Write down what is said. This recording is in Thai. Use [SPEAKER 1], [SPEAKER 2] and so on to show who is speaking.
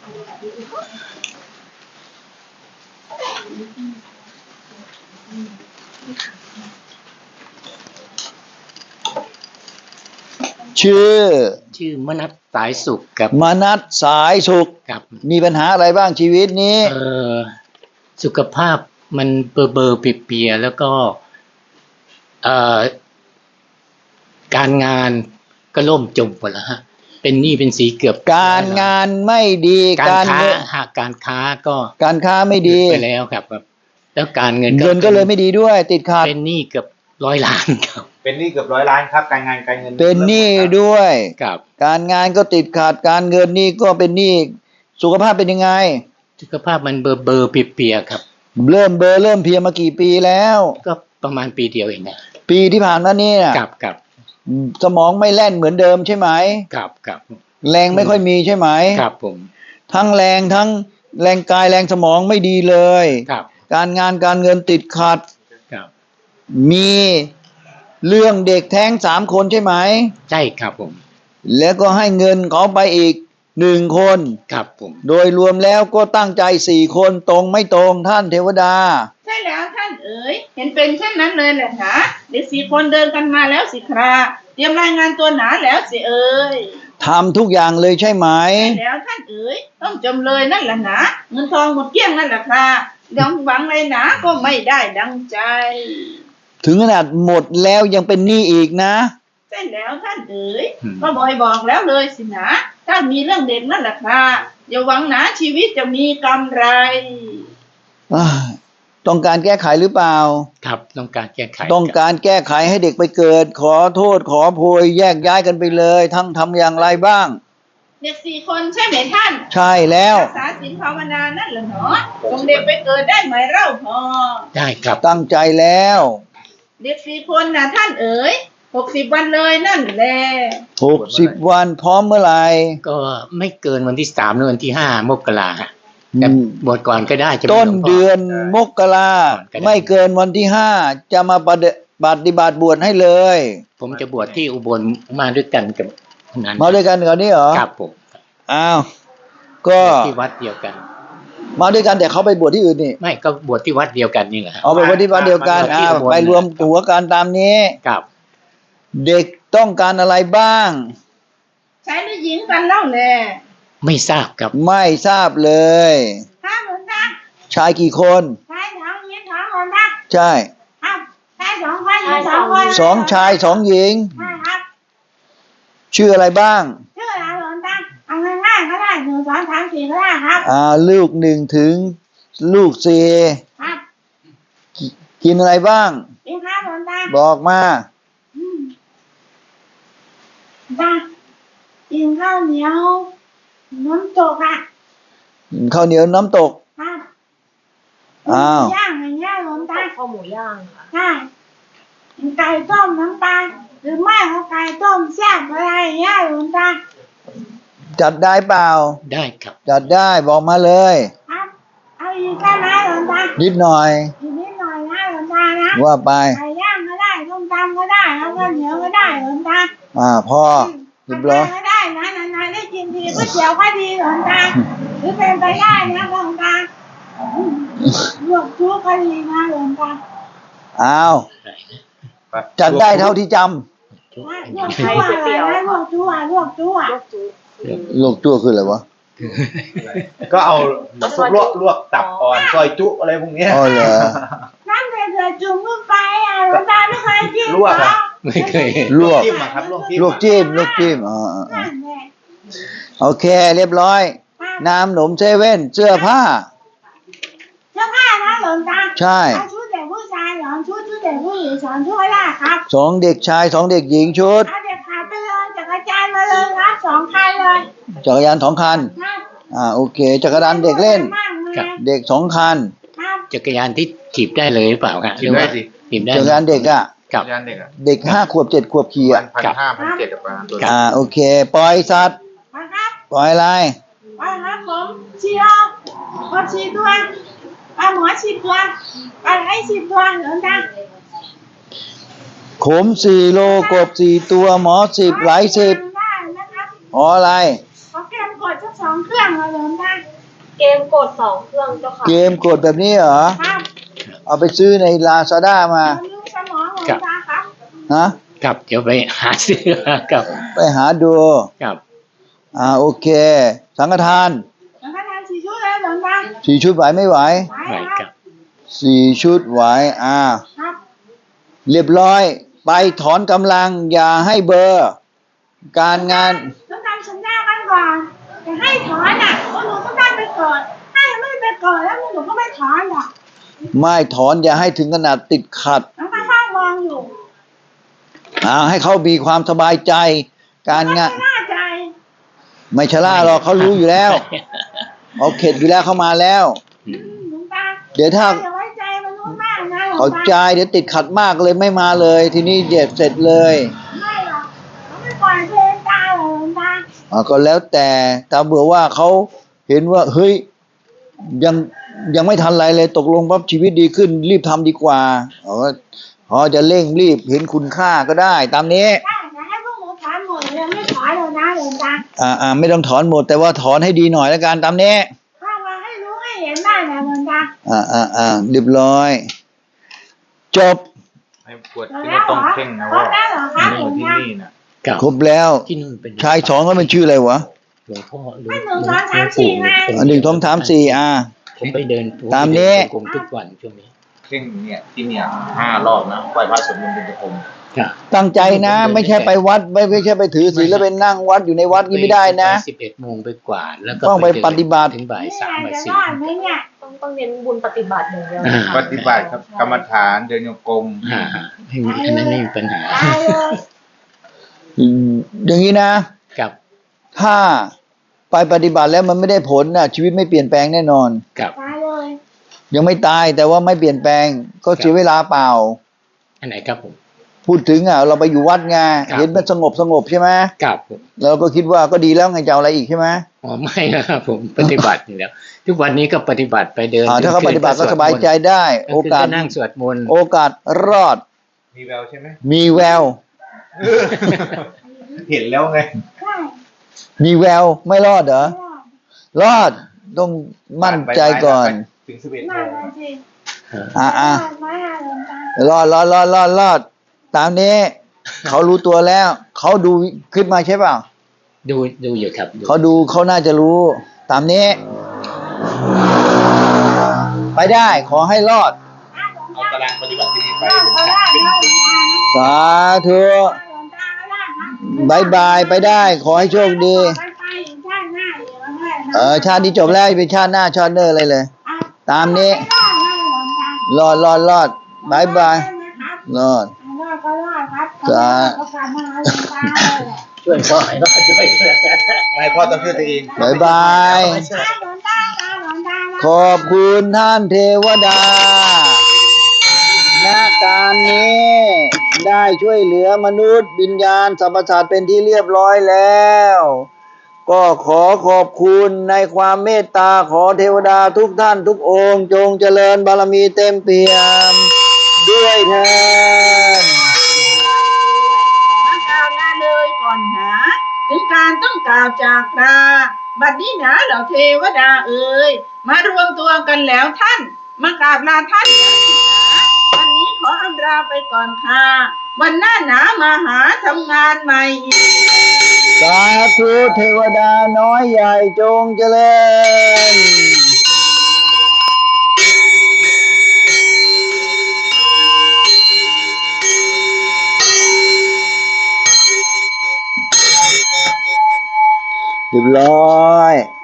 [SPEAKER 1] ชื่อมนัสสายสุขครับ
[SPEAKER 2] มนัสสายสุข
[SPEAKER 1] ครับ
[SPEAKER 2] มีปัญหาอะไรบ้างชีวิตนี้
[SPEAKER 1] สุขภาพมันเบอร์เปียแล้วก็การงานก็ล่มจมหมดแล้วฮะเป็นหนี้เป็นสีเกือบ
[SPEAKER 2] การงานไม่ดี
[SPEAKER 1] การค้าการค้าก็
[SPEAKER 2] การค้าไม่ดี
[SPEAKER 1] ไปแล้วครับแล้วการเงิน
[SPEAKER 2] ก็เลยไม่ดีด้วยติดขัด
[SPEAKER 1] เป็นหนี้เกือบ100 ล้านครับ
[SPEAKER 3] เป็นหนี้เกือบ100 ล้านครับการงานการเงิน
[SPEAKER 2] เป็นหนี้ด้วย
[SPEAKER 1] ครับ
[SPEAKER 2] การงานก็ติดขัดการเงินนี่ก็เป็นหนี้สุขภาพเป็นยังไง
[SPEAKER 1] สุขภาพมันเบอร์เปียครับ
[SPEAKER 2] เริ่มเพลียมากี่ปีแล้ว
[SPEAKER 1] ก็ประมาณปีเดียวเองนะ
[SPEAKER 2] ปีที่ผ่านมานี่
[SPEAKER 1] ครับ
[SPEAKER 2] สมองไม่แล่นเหมือนเดิมใช่ไหม
[SPEAKER 1] ครับ
[SPEAKER 2] แรงไม่ค่อยมีใช่ไหม
[SPEAKER 1] ครับผม
[SPEAKER 2] ทั้งแรงทั้งแรงกายแรงสมองไม่ดีเลย
[SPEAKER 1] ครับ
[SPEAKER 2] การงานการเงินติดขัด
[SPEAKER 1] ครับ
[SPEAKER 2] มีเรื่องเด็กแท้ง3 คนใช่ไหม
[SPEAKER 1] ใช่ครับผม
[SPEAKER 2] แล้วก็ให้เงินเขาไปอีก1 คน
[SPEAKER 1] ครับผม
[SPEAKER 2] โดยรวมแล้วก็ตั้งใจ4 คนตรงไม่ตรงท่านเทวดา
[SPEAKER 4] ใช่แล้วท่านเอ๋ยเห็นเป็นเช่นนั้นเลยแหละนะเด็ก4 คนเดินกันมาแล้วสิคราเตรียมรายงานตัวหนาแล้วสิเอ๋ย
[SPEAKER 2] ทำทุกอย่างเลยใช่ไหม
[SPEAKER 4] ใช่แล้วท่านเอ๋ยต้องจำเลยนั่นแหละนะเงินทองหมดเกลี้ยงนั่นแหละค่ะดังหวังเลยนะก็ไม่ได้ดังใจ
[SPEAKER 2] ถึงขนาดหมดแล้วยังเป็นหนี้อีกนะ
[SPEAKER 4] ใช่แล้วท่านเอ๋ยก็บ่อยบอกแล้วเลยสินะถ้ามีเรื่องเด็กนั่นแหละค่ะอย่าหวังนะชีวิตจะมีกำไร
[SPEAKER 2] ต้องการแก้ไขหรือเปล่า
[SPEAKER 1] ครับต้องการแก้ไข
[SPEAKER 2] ต้องการแก้ไขให้เด็กไปเกิดขอโทษขอโพยแยกย้ายกันไปเลยทั้งทำอย่างไรบ้าง
[SPEAKER 4] เด็ก4 คนใช่ไหมท่าน
[SPEAKER 2] ใช่แล้ว
[SPEAKER 4] รักษาศีลภาวนานั่นแหละเนาะส่งเด็กไปเกิดได้ไหมเล่าพอ
[SPEAKER 1] ได้ครับ
[SPEAKER 2] ตั้งใจแล้ว
[SPEAKER 4] เด็ก4 คนนะท่านเอ๋ย60 วันเลยนั่นแหละ
[SPEAKER 2] 60 วันพร้อมเมื่อไหร่
[SPEAKER 1] ก็ไม่เกินวันที่3หรือวันที่5 มกราแต่บวชก่อนก็ได้
[SPEAKER 2] ต้นเดือนมกราไม่เกินวันที่5จะมาปฏิบัติบวชให้เลย
[SPEAKER 1] ผมจะบวชที่อุบลมาด้วยกันกับนั้น
[SPEAKER 2] มาด้วยกันก่อนนี่เหรอ
[SPEAKER 1] ครับผม
[SPEAKER 2] อ้าวก็
[SPEAKER 1] ที่วัดเดียวกัน
[SPEAKER 2] มาด้วยกันแต่เขาไปบวชที่อื่นนี่
[SPEAKER 1] ไม่ก็บวชที่วัดเดียวกันนี่แหละ
[SPEAKER 2] เอาไปบวชที่วัดเดียวกันไปรวมตัวกันตามนี้
[SPEAKER 1] ครับ
[SPEAKER 2] เด็กต้องการอะไรบ้าง
[SPEAKER 4] ชายหรือหญิงกันเล่าแหละ
[SPEAKER 1] ไม่ทราบครับ
[SPEAKER 2] ไม่ทราบเลย
[SPEAKER 4] ครับหลวงตา
[SPEAKER 2] ชายกี่คน
[SPEAKER 4] ชาย2 หญิง2 คนครับ
[SPEAKER 2] ใช่
[SPEAKER 4] ครับชาย2 คนหญิง2 คน
[SPEAKER 2] 2 ชาย 2 หญิง
[SPEAKER 4] ใช่ครับ
[SPEAKER 2] ชื่ออะไรบ้าง
[SPEAKER 4] ชื่ออะไรหลวงตาเอาง่ายๆก็ได้1 2 3 4ก็ได้ครับ
[SPEAKER 2] ลูก1ถึงลูก4
[SPEAKER 4] ครับ
[SPEAKER 2] กินอะไรบ้าง
[SPEAKER 4] กินข้าวหลวงตา
[SPEAKER 2] บอกมา
[SPEAKER 4] ตากินข้าวเหนียวน้ำตก
[SPEAKER 2] ข้าวเหนียวน้ำตก
[SPEAKER 4] ครับย่างอย่างเงี้ยหลวงตา
[SPEAKER 5] ข้าวหมูย่างค่ะ
[SPEAKER 4] ใช่ไก่ต้มน้ำปลาหรือไม่ก็ไก่ต้มแซ่บอะไรอย่างเงี้ยหลวงตา
[SPEAKER 2] จัดได้เปล่า
[SPEAKER 1] ได้ครับ
[SPEAKER 2] จัดได้บอกมาเลย
[SPEAKER 4] ครับเอาอีกได้ไหมหลวงตา
[SPEAKER 2] นิดหน่อย
[SPEAKER 4] นิดหน่อยนะหลวงตานะ
[SPEAKER 2] ว่าไป
[SPEAKER 4] ไก่ย่างก็ได้ต้มตำก็ได้แล้วก็เหนียวก็ได้หลวงตา
[SPEAKER 2] พ่อเรียบร้อย
[SPEAKER 4] ก็ได้นะนานๆได้กินทีก๋วยเตี๋ยวก็ดีหลวงตาหรือเป็นไปได้นะหลวงตาลวกจุ๊ก็ดีนะหลวงตา
[SPEAKER 2] จัดได้เท่าที่จำ
[SPEAKER 4] ลวกจุ๊อะไรนะลวกจุ๊ลวกจุ๊
[SPEAKER 2] คืออะไรวะ
[SPEAKER 3] ก็เอาลวกตับอ่อนซอยจุอะไรพวกนี้
[SPEAKER 2] อ๋อเหรอ
[SPEAKER 4] น้ำเดือดจุ่มลงไปหลวงตาไม่เคยกิน
[SPEAKER 3] ลวก
[SPEAKER 1] ไม่เคย
[SPEAKER 2] ลวก
[SPEAKER 3] จิ้มครับลวก
[SPEAKER 2] จิ้มโอเคเรียบร้อยน้ำหนมเซเว่นเสื้อผ้า
[SPEAKER 4] นะหลวงตา
[SPEAKER 2] ใช่
[SPEAKER 4] ชุดเด็กผู้ชายชุดเด็กผู้หญิง2 ชุดได้ครับ
[SPEAKER 2] 2 เด็กชาย2 เด็กหญิงชุด
[SPEAKER 4] เด็กขาไปเลยจักรยานมาเลยครับ2 คันเลย
[SPEAKER 2] จักรยาน2 คันโอเคจักรยานเด็กเล่นเด็ก2 คัน
[SPEAKER 1] จักรยานที่ถีบได้เลยหรือเปล่าครับ
[SPEAKER 3] ถีบได้สิ
[SPEAKER 1] ถีบได้
[SPEAKER 2] จักรยานเด็ก
[SPEAKER 3] จักรยาน
[SPEAKER 2] เด็ก5 ขวบ7 ขวบขี่
[SPEAKER 3] 1,500 1,700ประมาณตัว
[SPEAKER 2] โอเคปล่อยสัตว์ปล่อยอะไร
[SPEAKER 4] ปล่อยครับผมชีโร่ก็ชีตัวหมอ10 ตัวให้10 ตัวหลวงตา
[SPEAKER 2] ขม4 โลกบ4 ตัวหมอ10ไหล10อะไร
[SPEAKER 4] ขอแก้มกดชสัก2 เครื่องเลยหลวงตา
[SPEAKER 5] เกมกด2 เครื่องเจ้าค่ะ
[SPEAKER 2] เกมกดแบบนี้เหรอ
[SPEAKER 4] ครับ
[SPEAKER 2] เอาไปซื้อในลาซาด้ามา
[SPEAKER 4] บำรุงสมองหลวงตาครับ
[SPEAKER 2] ฮะ
[SPEAKER 1] ครับเดี๋ยวไปหาซื้อครับ
[SPEAKER 2] ไปหาดู
[SPEAKER 1] ครับ
[SPEAKER 2] โอเค สังฆทาน
[SPEAKER 4] แล้วก็ทาน4 ชุดเลยหลวงตา
[SPEAKER 2] 4 ชุดไหวไม่ไหว
[SPEAKER 4] ไป
[SPEAKER 1] ไหว
[SPEAKER 4] ค
[SPEAKER 1] ค
[SPEAKER 4] รั
[SPEAKER 1] รั
[SPEAKER 4] บบ
[SPEAKER 2] 4 ชุดไหว
[SPEAKER 4] ครับ
[SPEAKER 2] เรียบร้อย ไปถอนกำลังอย่าให้เบอร์ การงาน
[SPEAKER 4] ต้องทำสัญญากันก่อนจะให้ถอนอ่ะพวกหนูต้องได้ไปก่อนถ้ายังไม่ไปก่อนแล้วพวกหนูก็ไม่ถอนหรอก
[SPEAKER 2] ไม่ถอนอย่าให้ถึงขนาดติดขัด
[SPEAKER 4] แล้วก็ข้างมองอยู่
[SPEAKER 2] ให้เขามีความสบายใจ การงาน
[SPEAKER 4] ไม่น่าใจ
[SPEAKER 2] ไม่ชะล่าหรอกเขารู้อยู่แล้วเขาเข็ดอยู่แล้วเขามาแล้ว
[SPEAKER 4] หลวงตา
[SPEAKER 2] เดี๋ยวถ้า
[SPEAKER 4] อย่าไว้ใจมันรู้มากนะหลวง
[SPEAKER 2] เขา
[SPEAKER 4] ตา
[SPEAKER 2] ใจเดี๋ยวติดขัดมากเลยไม่มาเลย ทีนี้เด็ดเสร็จเลย
[SPEAKER 4] ไม่หรอกเขาไม่ปล่อยเพลงตาหรอกหลวงตา
[SPEAKER 2] ก็แล้วแต่เบื่อว่าเขาเห็นว่าเฮ้ยยังไม่ทันไรเลยตกลงปั๊บชีวิตดีขึ้น รีบทำดีกว่าจะเร่งรีบเห็นคุณค่าก็ได้ ตามนี้
[SPEAKER 4] ถ้าจะให้พวกหนูถอนหมดเลยไม่ถอนเลยนะหลวงตา
[SPEAKER 2] ไม่ต้องถอนหมดแต่ว่าถอนให้ดีหน่อยแล้วกันตามนี้
[SPEAKER 4] ถ้ามาให้รู้ให้เห็นได้นะหลวงตา
[SPEAKER 2] เรียบร้อย จบ
[SPEAKER 3] ให้ปวดที่เราต้องเพ่งนะ
[SPEAKER 4] คร
[SPEAKER 3] ว่า
[SPEAKER 4] บแล้วเหรอครับ
[SPEAKER 3] นี่
[SPEAKER 4] หลวง
[SPEAKER 3] ที่
[SPEAKER 4] ตา
[SPEAKER 3] นี่นะ
[SPEAKER 1] ครับ
[SPEAKER 2] ครบแล้ว
[SPEAKER 1] ที่นู่นเป็น
[SPEAKER 2] ชายสองก็เป็นชื่ออะไรวะ
[SPEAKER 1] หลวงพ่อหลว
[SPEAKER 4] ไม่
[SPEAKER 1] ง
[SPEAKER 4] หนึ่งสองสามสี่ไง
[SPEAKER 2] 1 2 3 4
[SPEAKER 1] ผมไปเดิน
[SPEAKER 2] ตามนี้
[SPEAKER 1] กรมทุกวันช่วงนี้
[SPEAKER 3] เพ่งเนี่ยที่เนี่ย5 รอบนะไหว้พระสวดมนต์เป็นประจำ
[SPEAKER 1] ครับ
[SPEAKER 2] ตั้งใจนะ ไม่ใช่ไปวัดไม่ใช่ไปถือศีลแล้วไปนั่งวัดอยู่ในวัดนี่ไม่ได้นะ
[SPEAKER 1] 11 โมงไปกว่าแล้วก็
[SPEAKER 2] ต้องไป
[SPEAKER 1] เดิน
[SPEAKER 2] ปฏิบัติ
[SPEAKER 1] ถึงบ่าย 3 บ่าย
[SPEAKER 4] จะรอดไหมเนี่ย
[SPEAKER 5] ต้องเน้นบุญปฏิบัติอย่างเดียว
[SPEAKER 1] 4
[SPEAKER 3] ปฏิบัติครับกรรมฐานเดินโยกม
[SPEAKER 1] ให้มีอันนั้นไม่มีปัญหา
[SPEAKER 4] ตายเลย
[SPEAKER 2] อย่างนี้นะ
[SPEAKER 1] ครับ
[SPEAKER 2] ถ้าไปปฏิบัติแล้วมันไม่ได้ผลนะชีวิตไม่เปลี่ยนแปลงแน่นอน
[SPEAKER 1] ครับ
[SPEAKER 4] ตายเลย
[SPEAKER 2] ยังไม่ตายแต่ว่าไม่เปลี่ยนแปลง ก็เสียเวลาเปล่า
[SPEAKER 1] อันไหนครับผม
[SPEAKER 2] พูดถึงเราไปอยู่วัดไง
[SPEAKER 1] ครับ
[SPEAKER 2] เห็นมันสงบใช่ไหม
[SPEAKER 1] ครับผม
[SPEAKER 2] เราก็คิดว่าก็ดีแล้วไงจะเอาอะไรอีกใช่ไหม
[SPEAKER 1] ไม่นะครับผมปฏิบัติอยู่แล้วทุกวันนี้ก็ปฏิบัติไปเดิน
[SPEAKER 2] ถ้าเขาปฏิบัติก็สบายใจได้ โอกาส
[SPEAKER 1] นั่งสวดมนต์
[SPEAKER 2] โอกาสรอด
[SPEAKER 3] มีแววใช่ไหม
[SPEAKER 2] มีแวว
[SPEAKER 3] เห็นแล้วไง
[SPEAKER 4] ใช่
[SPEAKER 2] มีแววไม่รอดเหรอ
[SPEAKER 4] รอด
[SPEAKER 2] รอดต้องมั่นใจก่อน
[SPEAKER 3] ถึง11 โม
[SPEAKER 4] นั่น
[SPEAKER 3] ง
[SPEAKER 4] น่ะสิ
[SPEAKER 2] อ่ะ
[SPEAKER 4] ไม่หาหลวงตาร
[SPEAKER 2] อดตามนี้ เขารู้ตัวแล้ว เขาดูขึ้นมาใช่เปล่า
[SPEAKER 1] ดูอยู่ครับ
[SPEAKER 2] เขาดูเขาน่าจะรู้ ตามนี้ ไปได้ขอให้รอด
[SPEAKER 3] เอาตารางปฏิบัติที่นี่ไป
[SPEAKER 4] รอดก็ได้นะหลวงตานะ
[SPEAKER 2] สาธุ
[SPEAKER 4] หลวงตาก็ได้ครับ
[SPEAKER 2] บายบายไปได้ ขอให้โชคดี
[SPEAKER 4] ไปอีกชาติหน้าอีกแล้วแม่นะ
[SPEAKER 2] ชาตินี้จบแล้วเป็นชาติหน้าชาติเนอร์อะไรเลย
[SPEAKER 4] อ่ะ
[SPEAKER 2] ตามนี้
[SPEAKER 4] ไม่รอดนะหลวงตาร
[SPEAKER 2] อดบายบาย
[SPEAKER 4] ได้ไหมครับ
[SPEAKER 2] รอด
[SPEAKER 4] รอดก็รอดครับ
[SPEAKER 2] จ้า
[SPEAKER 4] ก็กลับมาหาหลวงตาเลยแหละ
[SPEAKER 1] ช่วยพ่อให้รอดช่วยด้วย
[SPEAKER 3] ไม่พ่อต้องช่วยตัวเอง
[SPEAKER 2] บายบาย
[SPEAKER 4] หลวงตาหลวงตานะ
[SPEAKER 2] ขอบคุณท่านเทวดาณการนี้ได้ช่วยเหลือมนุษย์วิญญาณสรรพสัตว์เป็นที่เรียบร้อยแล้ว ก็ขอขอบคุณในความเมตตาขอเทวดาทุกท่านทุกองค์จงเจริญบารมีเต็มเปี่ยมด้วยเถิด
[SPEAKER 6] มากล่าวลาเลยก่อนหนาถึงการต้องกล่าวจากลาบัดนี้หนาเหล่าเทวดาเอ่ยมารวมตัวกันแล้วท่านมากราบลาท่านแล้วสิหนาวันนี้ขออำลาไปก่อนค่ะวันหน้าหนามาหาทำงานใหม่อีก
[SPEAKER 2] สาธุเทวดาน้อยใหญ่จงเจริญเรียบร้อย